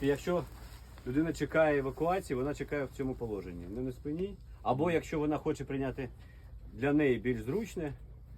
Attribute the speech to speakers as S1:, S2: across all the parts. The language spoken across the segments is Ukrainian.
S1: Якщо людина чекає евакуації, вона чекає в цьому положенні. Не на спині. Або якщо вона хоче прийняти для неї більш зручне,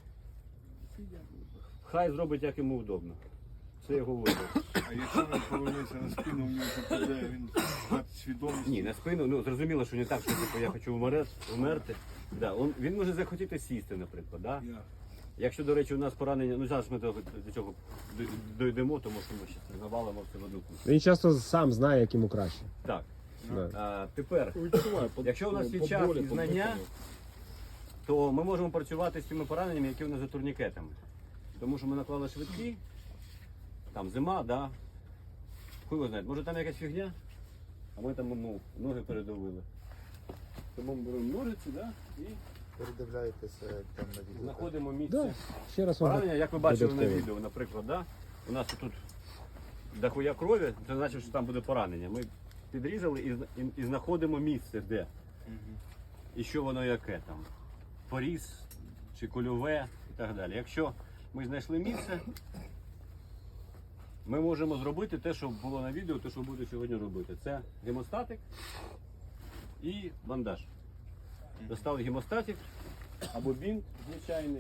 S1: хай зробить як йому вдобно. Це його вибір.
S2: А якщо він повернеться на спину, в нього попадає, він втратить свідомість?
S1: Ні, на спину, ну зрозуміло, що не так, що типу, я хочу вмерти. Да, він може захотіти сісти, наприклад. Да? Якщо, до речі, у нас поранення, ну зараз ми до цього дійдемо, тому що ми ще завалимо все в одну кучу.
S3: Він часто сам знає, як йому краще.
S1: Так.
S3: Да.
S1: Тепер, якщо у нас є час і знання, то ми можемо працювати з тими пораненнями, які у нас за турнікетами. Тому що ми наклали швидкі, там зима, да. Хуй його знає, може там якась фігня, а ми там ноги передавили. Тому ми беремо ножиці, да, і
S4: Передивляєтеся там на відео.
S1: знаходимо місце.
S3: Да. Ще раз
S1: Поранення, як ви бачили на
S3: додатково.
S1: відео, наприклад, да? У нас тут дохуя крові, це значить, що там буде поранення. Ми підрізали і знаходимо місце, де. І що воно яке там. Поріз чи кульове і так далі. Якщо ми знайшли місце, ми можемо зробити те, що було на відео, те, що буде сьогодні робити. Це гемостатик і бандаж. Достали гемостатик або бінт звичайний.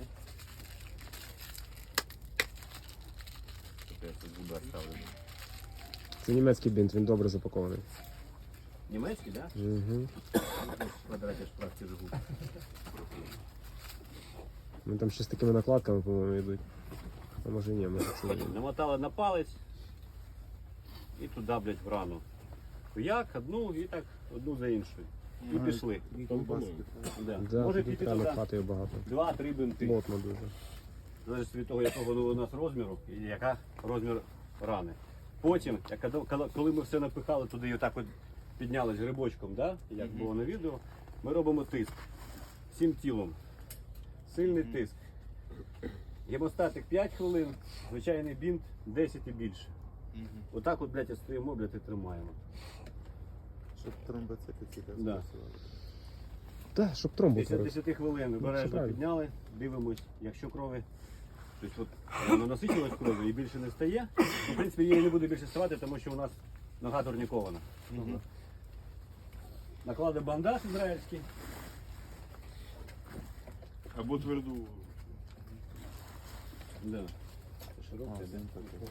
S1: Я тут зуби оставлю.
S3: Це німецький бінт, він добре запакований.
S1: Німецький, так? Да?
S3: Угу.
S1: В квадраті шпрахті живуть.
S3: Ну, там ще з такими накладками, по-моєму, йдуть. А може ні, може це не.
S1: Намотали на палець і туди, блядь, в рану. Як одну і так одну за іншою. І пішли. Да.
S3: Да,
S1: Може
S3: тут
S1: піти
S3: реально
S1: туди
S3: хватає багато.
S1: 2-3 бинти.
S3: Плотно дуже.
S1: Залежить від того, якого у нас розміру і яка розмір рани. Потім, коли ми все напихали туди і отак от піднялись грибочком, да? Як було на відео, ми робимо тиск. Всім тілом. Сильний тиск. Гемостатик 5 хвилин, звичайний бінт 10 і більше. Отак от, блядь, стоїмо, блядь, і тримаємо.
S4: Щоб тромбоцити ці
S1: Да.
S3: Так, щоб тромбу
S1: Після
S3: творив.
S1: 10 хвилин
S3: все
S1: обережно
S3: правильно.
S1: підняли, дивимось, якщо крові, тобто от воно насичилось кров'ю і більше не стає, в принципі її не буде більше ставати, тому що у нас нога турнікована. Накладемо бандаж ізраїльський.
S2: Або тверду.
S1: Да. Це широкий, да?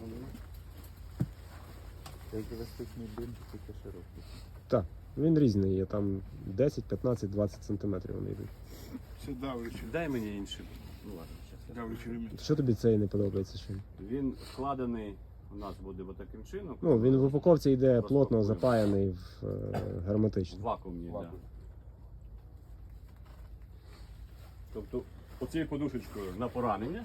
S4: Як еластичний бинт, тільки широкий.
S3: Так, він різний є, там 10, 15, 20 сантиметрів вони йдуть.
S2: Це давлячий.
S1: Дай мені інший. Ну ладно, зараз.
S2: Давлячий ремінь.
S3: Що тобі цей не подобається? Що?
S1: Він складений у нас буде таким чином.
S3: Ну, він в упаковці йде плотно
S1: Розпакуємо.
S3: запаяний в
S1: В
S3: герметично.
S1: вакуумні, так. Да. Тобто оцією подушечкою на поранення.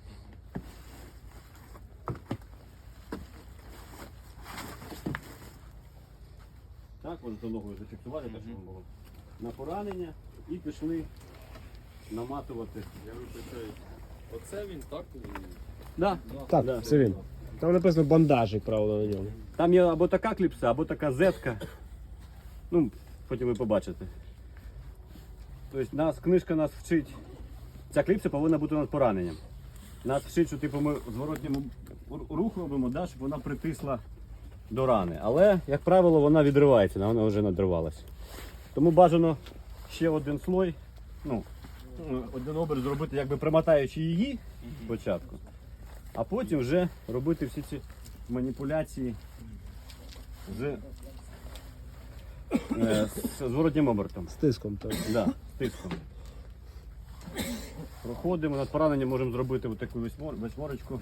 S1: Так, можете ногою зафіксувати, так щоб було. На поранення і пішли наматувати.
S5: Я вибачаю. Оце він так?
S1: Да.
S3: Так,
S1: Да.
S3: це він. Там написано бандажик, правда, на ньому.
S1: Там є або така кліпса, або така зетка. Ну, потім ви побачите. Тобто книжка нас вчить. Ця кліпса повинна бути над пораненням. Нас вчить, що типу, ми зворотнім рух робимо, да, щоб вона притисла до рани. Але, як правило, вона відривається, вона вже надривалася. Тому бажано ще один слой, ну, один оберт зробити, якби примотаючи її спочатку, а потім вже робити всі ці маніпуляції з зворотнім обертом.
S3: З тиском. Так.
S1: Да, з тиском. Проходимо, над пораненням можемо зробити таку восьморочку.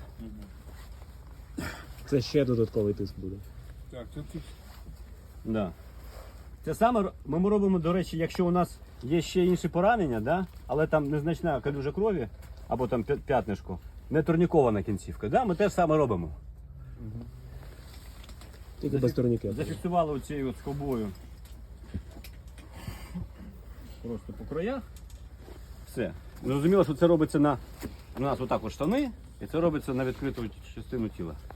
S3: Це ще додатковий тиск буде.
S2: Так, це тут.
S1: Да. Це саме ми робимо, до речі, якщо у нас є ще інші поранення, да? Але там незначна калюжа крові, або там п'ятнишко, не турнікована кінцівка, да? Ми теж саме робимо.
S3: Тільки без турнікету.
S1: Зафіксували оцією скобою просто по краях. Все. Зрозуміло, що це робиться у нас отак от штани, і це робиться на відкриту частину тіла.